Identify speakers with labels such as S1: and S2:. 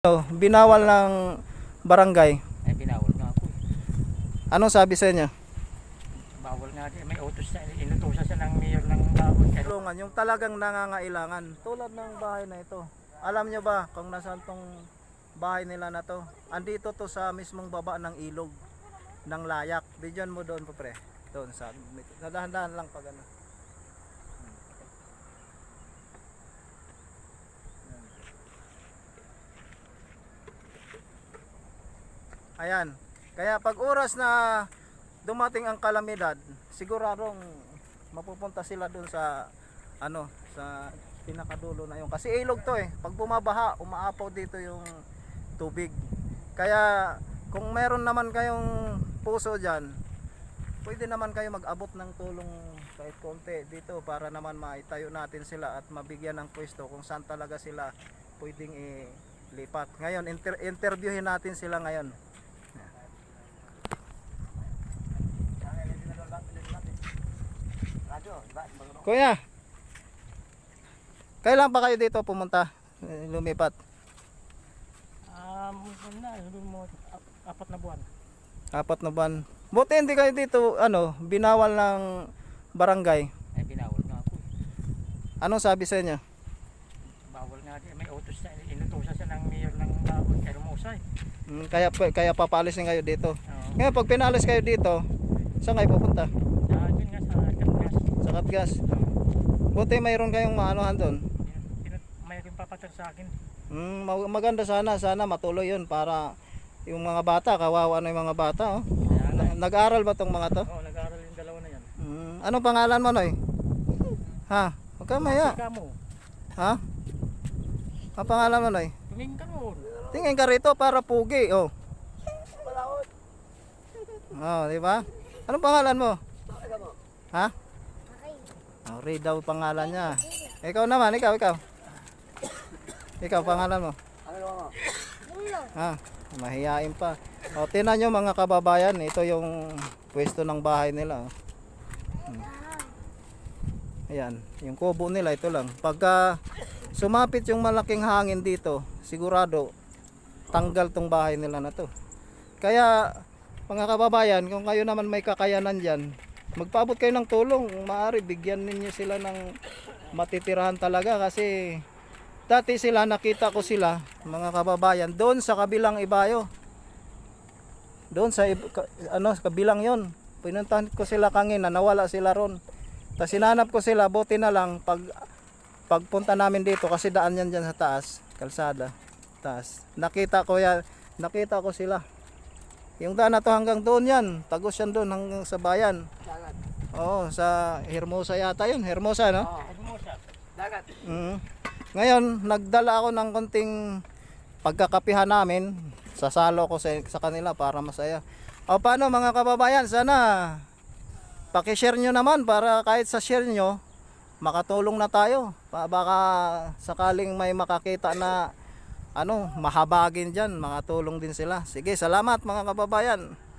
S1: Binawal ng barangay.
S2: Ay, binawal nga po.
S1: Anong sabi sa inyo?
S2: Bawal nga din. May utos na, inutusan siya ng mayor ng Bawal.
S1: Tulungan yung talagang nangangailangan. Tulad ng bahay na ito. Alam nyo ba kung nasaan tong bahay nila na to? Andito to sa mismong baba ng ilog ng Layak. Bidyon mo doon po pre. Doon sa nadahan-dahan lang pag ano. Ayan. Kaya pag oras na dumating ang kalamidad, siguradong mapupunta sila dun sa ano, sa pinakadulo na yun. Kasi ilog to eh. Pag bumabaha, umaapaw dito yung tubig. Kaya kung meron naman kayong puso diyan, pwede naman kayo mag-abot ng tulong kahit konti dito para naman maitayo natin sila at mabigyan ng pwesto kung saan talaga sila pwedeng ilipat. Ngayon, interviewin natin sila ngayon. Kuya, kailan pa kayo dito pumunta, lumipat?
S2: Apat na buwan.
S1: 4 na buwan. Buti hindi kayo dito binawal ng barangay.
S2: Ay, binawal nga po.
S1: Anong sabi sa inyo?
S2: Bawal nga din. May utos na, inutusan siya ng mayor ng Bawal. Kaya Musay.
S1: Kaya papalisin kayo dito.
S2: Oo.
S1: Ngayon pag pinalis kayo dito, saan kayo pupunta?
S2: Yun nga sa Katgas.
S1: Sa Katgas. Buti mayroon kayong maanuhan doon.
S2: May rin papatag sa akin.
S1: Maganda sana matuloy yun para yung mga bata, kawawa na yung mga bata. Oh. Nag-aaral ba tong mga to?
S2: Oo, nag-aaral yung dalawa na yan.
S1: Anong pangalan mo, Noy? Ha? Huwag ka maya. Ha? Ang pangalan mo, Noy?
S2: Tumingin ka noon.
S1: Tingin ka rito para pugi. Oh, di ba? Anong pangalan mo? Ha? Ray daw pangalan niya. Ikaw naman, ikaw. Ikaw pangalan mo? Ha? Mahihain pa. O, tingnan nyo mga kababayan, ito yung pwesto ng bahay nila. Ayan, yung kubo nila ito lang. Pagka sumapit yung malaking hangin dito, sigurado tanggal tong bahay nila na to. Kaya mga kababayan, kung kayo naman may kakayanan dyan, magpaabot kayo ng tulong. Maaari bigyan ninyo sila ng matitirahan talaga kasi dati sila, nakita ko sila mga kababayan doon sa kabilang ibayo, doon sa kabilang yon. Pinuntahan ko sila kanina, nawala sila ron. Tapos sinanap ko sila, buti na lang pagpunta namin dito kasi daan yan dyan sa taas, kalsada taas, nakita ko sila. Yung daan na to hanggang doon yan, tagos yan doon hanggang sa bayan.
S2: Dagat.
S1: Oo, sa Hermosa yata yun. Hermosa, no?
S2: Oo, Hermosa. Dagat.
S1: Ngayon, nagdala ako ng konting pagkakapihan namin. Sasalo ko sa kanila para masaya. O paano mga kababayan, sana pakishare nyo naman para kahit sa share nyo, makatulong na tayo. Baka sakaling may makakita na mahabagin dyan, makatulong din sila. Sige, salamat mga kababayan.